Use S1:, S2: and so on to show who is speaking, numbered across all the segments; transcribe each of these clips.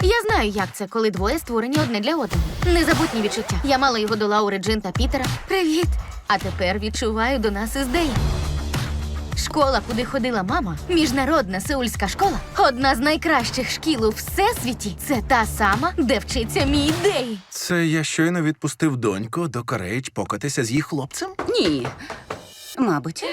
S1: Я знаю, як це, коли двоє створені одне для одного. Незабутні відчуття. Я мала його до Лаури, Джин та Пітера. Привіт! А тепер відчуваю до нас із Деєм. Школа, куди ходила мама, міжнародна сеульська школа, одна з найкращих шкіл у всесвіті. Це та сама, де вчиться мій Дей.
S2: Це я щойно відпустив доньку до Корейч покатися з їх хлопцем?
S3: Ні. Мабуть.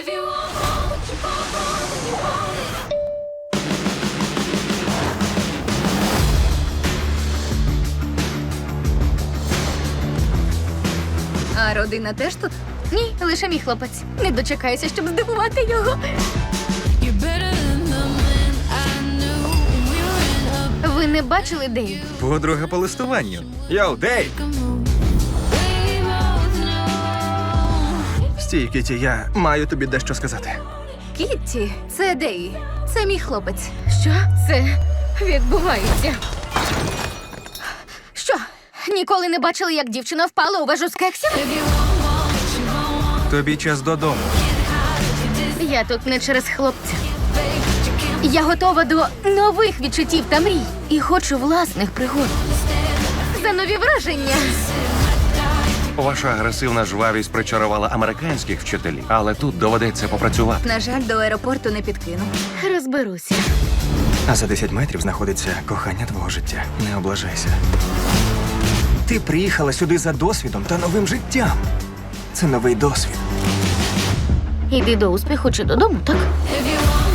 S3: А родина теж тут?
S1: Ні, лише мій хлопець. Не дочекаюся, щоб здивувати його. Ви не бачили Дею?
S4: Подруга по листуванню. Йоу, Дейв!
S2: Стій, Кіті, я маю тобі дещо сказати.
S1: Кітті, це Дей. Це мій хлопець. Що це відбувається? Що? Ніколи не бачили, як дівчина впала у вежу з кексів?
S4: Тобі час додому.
S1: Я тут не через хлопця. Я готова до нових відчуттів та мрій. І хочу власних пригод. За нові враження.
S5: Ваша агресивна жвавість причарувала американських вчителів, але тут доведеться попрацювати.
S3: На жаль, до аеропорту не підкину.
S1: Розберуся.
S4: А за 10 метрів знаходиться кохання твого життя. Не облажайся. Ти приїхала сюди за досвідом та новим життям. Це новий досвід.
S1: Іди до успіху чи додому, так?